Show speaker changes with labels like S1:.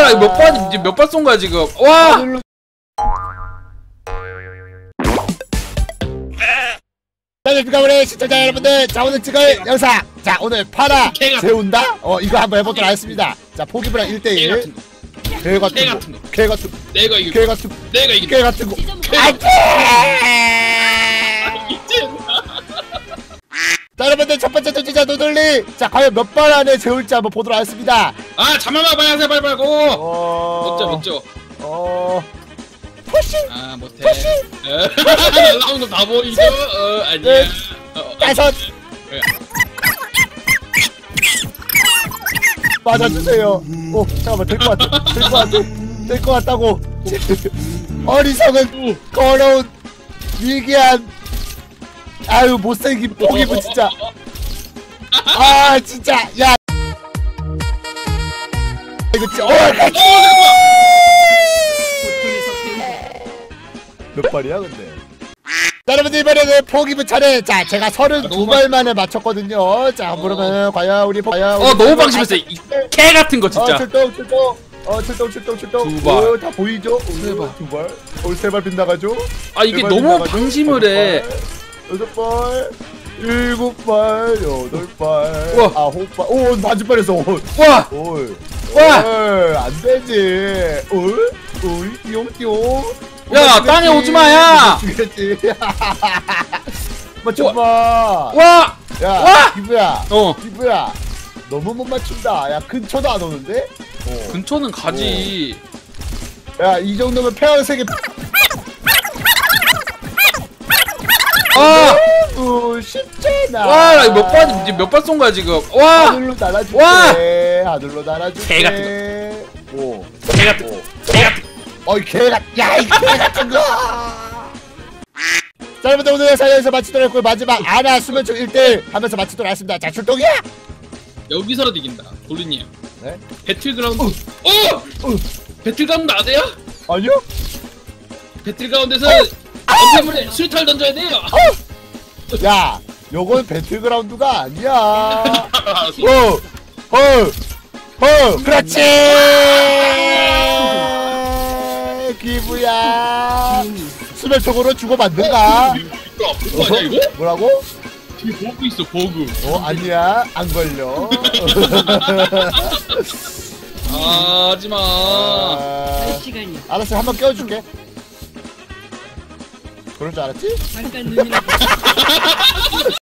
S1: 와, 이거 몇 번 쏜 거야 지금? 와!
S2: 안녕하십니까 우리 시청자 여러분들. 자, 오늘 찍을 영상, 자 오늘 파라 재운다? 이거 한번 해보도록 하겠습니다. 자, 포기부랑 1대1 개 같은 거, 개 같은 거,
S3: 내가 이겨.
S2: 개 같은 거,
S3: 내가 이겨.
S2: 개 같은 거. 안돼! 자, 여러분들 첫 번째 도전자 노돌리. 자, 과연 몇 번 안에 재울지 한번 보도록 하겠습니다.
S3: 아, 잠깐만 봐야 돼, 빨리 고. 못져.
S2: 푸시.
S3: 아, 못해. 날라온 거 다 보이죠? 아니야.
S2: 다섯. 맞아주세요. 잠깐만, 될 것 같아. 될 것 같아. 될 것 같다고. 어리석은 더러운 미개한, 아유 못생긴 포기부 진짜. 아 진짜. 야 이거 진짜. 몇 발이야 근데? 자, 여러분들 이번에는 포기부 차례. 자, 제가 32발 만에 맞췄거든요. 자, 그러면 과연 우리
S1: 너무 방심했어. 이 개 같은 거 진짜.
S2: 출동.
S1: 두 발.
S2: 다 보이죠?
S1: 세 발.
S2: 두 발. 세 발 빗나가죠?
S1: 아, 이게 너무 방심을 해.
S2: 6발, 7발, 8발,
S1: 우와.
S2: 9발. 오, 맞을뻔했어.
S1: 와! 와!
S2: 안 되지. 띠용띠용.
S1: 야, 땅에 오지 마, 야!
S2: 죽겠지. 맞춰봐.
S1: 와!
S2: 야,
S1: 와!
S2: 기부야. 기부야. 너무 못 맞춘다. 야, 근처도 안 오는데?
S1: 근처는 가지.
S2: 야, 이 정도면 페어색이.
S1: 아!
S2: 쉽잖아.
S1: 와, 나 이거 몇 번 쏜 거야 지금? 와!
S2: 하늘로 날아줄게.
S1: 와!
S2: 하늘로 날아줄게.
S1: 개 같은
S2: 거.
S1: 개 같은 거. 개 같은 거.
S2: 어이 개가. 야, 이 개 같은 거. 자, 여러분들 오늘 영상에서 마치도록 했고, 마지막 아나 수면총 1대1 하면서 마치도록 하겠습니다. 자, 출동이야.
S3: 여기서라도 이긴다. 돌리님.
S2: 네?
S3: 배틀그라운드. 배틀그라운드 아세요?
S2: 아니요?
S3: 배틀그라운드에서 엄폐물에 수류탄을 던져야 돼요.
S2: 야, 요건 배틀그라운드가 아니야. 그렇지. 기부야. 수면총으로 주고받는가?
S3: 이거 아니야 이거?
S2: 뭐라고?
S3: 뒤에 버그 있어 버그.
S2: 아니야, 안 걸려.
S3: 하지마.
S2: 알았어, 한번 깨워줄게. 그럴 줄 알았지?
S4: 잠깐 눈이라도